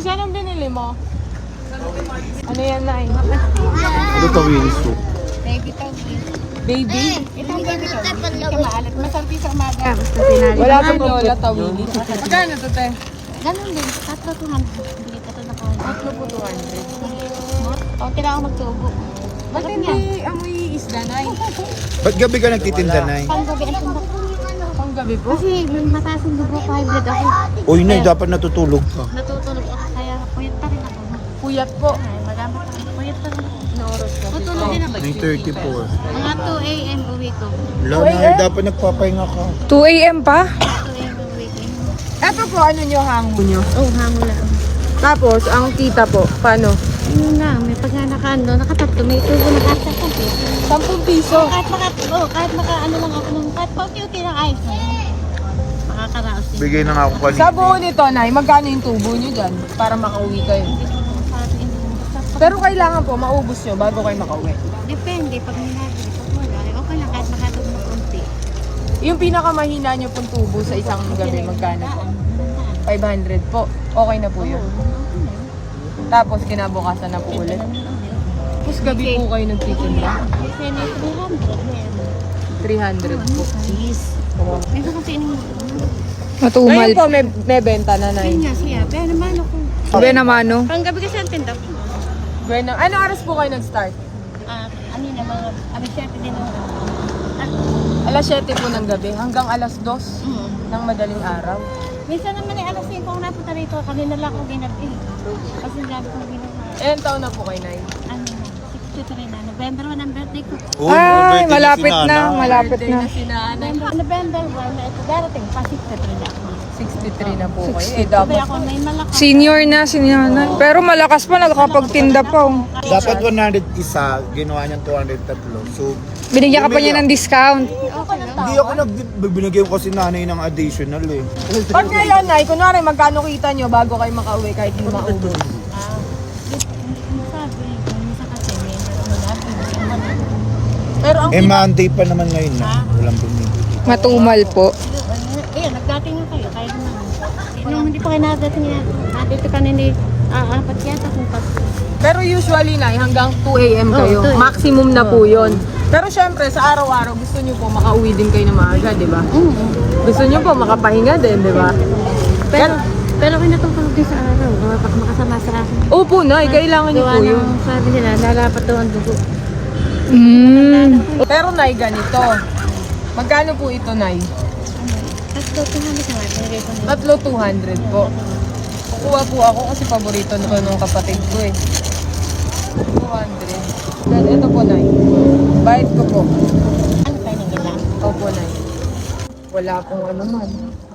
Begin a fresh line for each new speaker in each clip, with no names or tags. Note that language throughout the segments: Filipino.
Lisa, anong binili mo? Ano yan, Nay?
Ano tawilis to?
Baby tawid.
Baby?
Ito ang baby tawid. Hindi ka maalat. Masarap sa umaga.
Wala pa Lola Tawili. Magkano to, te?
Ganun din. 4,200. Hindi ka ito na ko.
4,200.
O, kailangan magtubo.
Ba't hindi amoy isda, Nay?
Ba't gabi ka nagtitinda, Nay?
Panggabi ang tundak.
Panggabi po?
Kasi may mataas yung dugo ko. High blood ako.
Uy, Nay, dapat natutulog ka.
Natutulog ako. Kaya puyat pa rin ako.
Puyat po.
Ay, madami pa rin. Puyat pa rin ako.
Ano oras po?
Tutulog din ako.
9:34.
Mga 2 a.m. uwi ko.
Wala, Nay, dapat nagpapahinga ka.
2 a.m. pa?
2 a.m. uwi ko.
Eto po, ano nyo, hango nyo?
Oh, hango lang.
Tapos, ang kita po, paano?
Yun na, may pagkakano, nakatatlo, may tubo na kahit sa computer.
10 piso.
Kahit ano lang ako nung, kahit pauti-uti ng ayos na yun. Makakaraos din.
Bigay na nga ako kanina.
Sa buo nito, Nay, magkano yung tubo nyo dyan para makauwi kayo?
Hindi ko naman parang inuubos.
Pero kailangan po, maubos nyo bago kayo makauwi.
Depende, pag minagay, pag wala, okay lang, kahit makatog na konti.
Yung pinakamahina nyo pong tubo sa isang gabi, magkano po? 500 po. Okay na po yun. Tapos kinabukasan na po ulit. Tapos gabi po kayo nagtitinda.
Kasi may 300.
300 po.
Please. Ito kasi inuubos.
Matumal.
Ngayon po, may benta na, Nay.
Yun nga siya, pero naman ako.
Sabi naman, no?
Panggabi kasi ang tinda ko.
Bueno, ano oras po kayo nag-start?
Ano na mga, abiserte din ako.
Alas 7 po ng gabi hanggang alas 2 ng madaling araw.
Minsan naman ay alas 5 ako napunta rito, kanina lang ako ginabi. Kasi grabe kong ginawa.
Ilan taon na po kayo, Nay?
Ano na, 63 na. November 1 ang birthday ko.
Uy,
Ay,
birthday
malapit
si
na,
Nana.
malapit
Birthday
na.
na si Nanay.
November 1 na ito, darating pa 63 na ako.
63 na po kayo. Eh,
Sabi
dapat
ako, may malakas.
Senior na, senior na. Pero malakas pa, nakakapagtinda pa. Oh.
Dapat 100 isa, ginawa niyang 203. So,
Binigyan ka pa niya ng discount.
hindi ako binigyan ko kasi nanay ng additional eh.
pag ngayon, Nay, kunwari magkano kita nyo bago kayo makauwi kahit hindi maubos?
Sabi, minsan kasi may nabibigyan.
Pero ang
Eh, Monday pa naman ngayon na. Walang bumibili.
Matumal po.
Ayun, nagdating na kayo, kaya naman. Nung hindi pa kayo nadating yan, dito ka nini, apat yata kung
Pero usually, Nay, hanggang 2 a.m. kayo.
Oo, 2 a.m.
Maximum na po yun. Pero syempre, sa araw-araw, gusto nyo po makauwi din kayo na maaga, di ba? Gusto nyo po makapahinga din, di ba?
Pero kinatutulog din sa araw, baka makasama sa akin.
Opo, Nay, kailangan nyo
Gawa
po yun.
ng sabi nila, lalapat daw ang dugo.
Pero, Nay, ganito. Magkano po ito, Nay?
Tapos daw, tumalik na natin.
Tatlo 200 po. Kukuha po ako kasi paborito nito nung kapatid ko eh. 200. Then ito po, Nay. Bayad ko po.
Ano kayo nang ilan?
Opo, Nay. Wala pong ano man.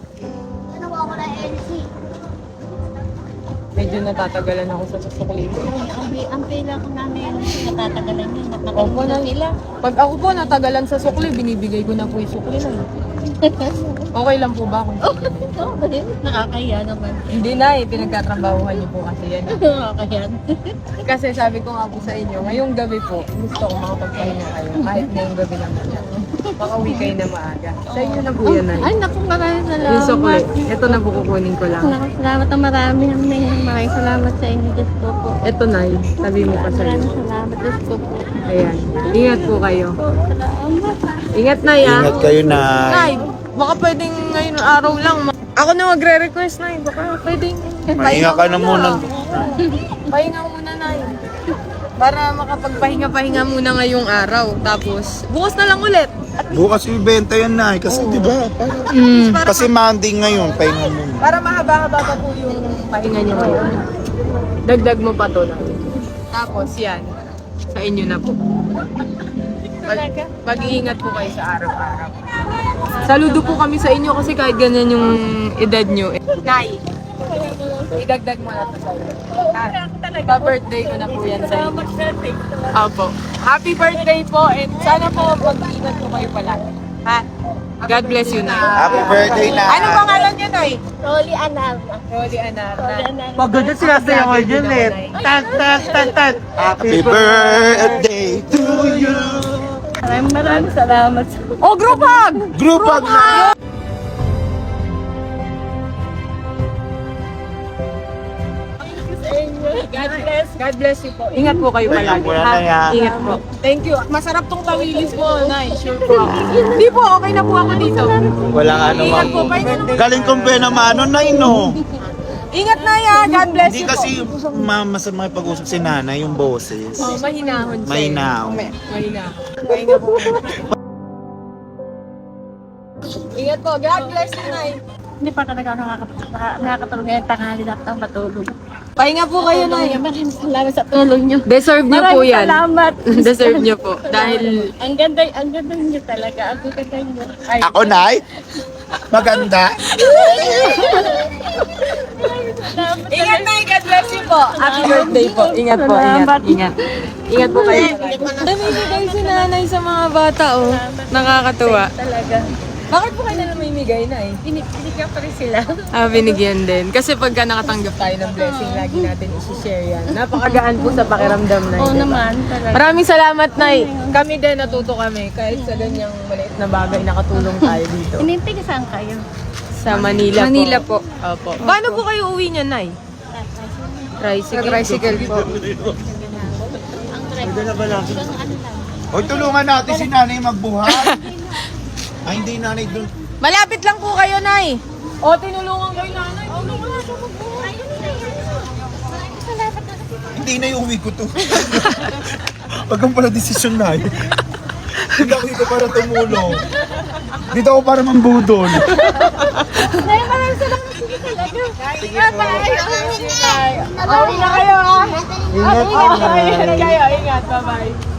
Medyo natatagalan ako sa susuklito.
Ang pila ko namin, natatagalan yun.
Opo, Nay. Pag ako po natagalan sa sukli, binibigay ko na po yung sukli, Nay. Okay lang po ba kung
Oo, nakakaya naman.
Hindi, Nay. Pinagkatrabahuhan niyo po kasi yan.
Nakakaya.
Kasi sabi ko nga po sa inyo, ngayong gabi po, gusto ko makapagpahinga kayo. Kahit ngayong gabi naman yan. Makauwi kayo na maaga. Sa inyo na po yan, Nay.
Ay, naku, maraming salamat.
Yung sukli. Ito na po kukunin ko lang.
Naku, salamat ang marami. Maraming salamat sa inyo. Diyos ko po.
Ito, Nay. Sabi mo pa sa
Maraming
inyo.
salamat. Diyos ko po.
Ayan. Ingat po kayo.
Salamat.
Ingat, Nay, ah.
Ingat kayo na.
Nay, baka pwedeng ngayon araw lang. Ako na magre-request, Nay. Baka pwedeng.
Mahinga ka na muna.
Pahinga muna, Nay. Para makapagpahinga-pahinga muna ngayong araw. Tapos, bukas na lang ulit.
Bukas ibenta yan na kasi di ba? Kasi Monday ngayon, pahinga muna.
Para mahaba-haba pa po yung pahinga niyo ngayon. Dagdag mo pa to na. Tapos, yan. Sa inyo na po. Mag-iingat po kayo sa araw-araw. Saludo po kami sa inyo kasi kahit ganyan yung edad nyo. Nay, idagdag mo na to sa inyo. Pa-birthday ko na po yan sa inyo. Opo. Happy birthday po and sana po mag-iingat po kayo palagi. Ha? God bless you, Nay.
Happy birthday na.
Ano pangalan niyo, Nay?
Rolly Anarna.
Rolly Anarna.
Pagod sila sa yung origin eh. Tan, tan, tan, tan.
Happy birthday to you.
Maraming salamat.
Oh, group hug!
Group hug na.
God bless you po. Ingat po kayo palagi.
Kuya
ha?
Nay, ha?
Ingat po. Thank you. Masarap tong tawilis mo, Nay. Sure po. Hindi po, okay na po ako dito.
Walang ano
Ingat
mang...
po, pahinga naman.
Galing kong mano, Nay, no?
Ingat na ya. God bless
Hindi
you po.
kasi masama makipag-usap si nanay, yung boses.
Oh, mahinahon siya.
Mahinahon.
Mahinahon. Pahinga po. Ingat po. God bless you, Nay.
Hindi pa talaga ako nakakatulog ngayon. Tanghali na ako matulog.
Pahinga po kayo, Nay.
Maraming salamat sa tulong niyo.
Deserve niyo po
Maraming
yan.
salamat.
Deserve niyo po. Dahil
Ang ganda niyo talaga. Ang ganda niyo. Ay,
Ako, Nay? Maganda?
ingat, Nay. God bless you po. Happy birthday po. Ingat po. Ingat. Ingat. Ingat po kayo. Namimigay si nanay sa mga bata, oh. Nakakatuwa.
talaga.
Bakit po kayo na namimigay, Nay?
Binigyan ko rin sila.
Binigyan din. Kasi pagka nakatanggap tayo ng blessing, lagi natin isi-share yan. Napakagaan po sa pakiramdam, Nay.
Oo
diba?
naman, talaga.
Maraming salamat, Nay. Kami din, natuto kami. Kahit sa ganyang maliit na bagay, nakatulong tayo dito.
Inintig saan kayo?
Sa Manila,
Manila po.
Opo. Paano po kayo uwi niyan, Nay? Tricycle.
Tricycle po.
Hoy, tulungan natin si nanay magbuhat. Ay, hindi nanay dun.
Malapit lang po kayo, Nay. O, tinulungan kayo, Nanay.
Hindi na yung uwi ko to. Wag kang pala desisyon na. Hindi ako dito para tumulong. Dito ako para mambudol.
Ingat na kayo, ha? Ingat kayo. Ingat kayo. Ingat. Bye-bye.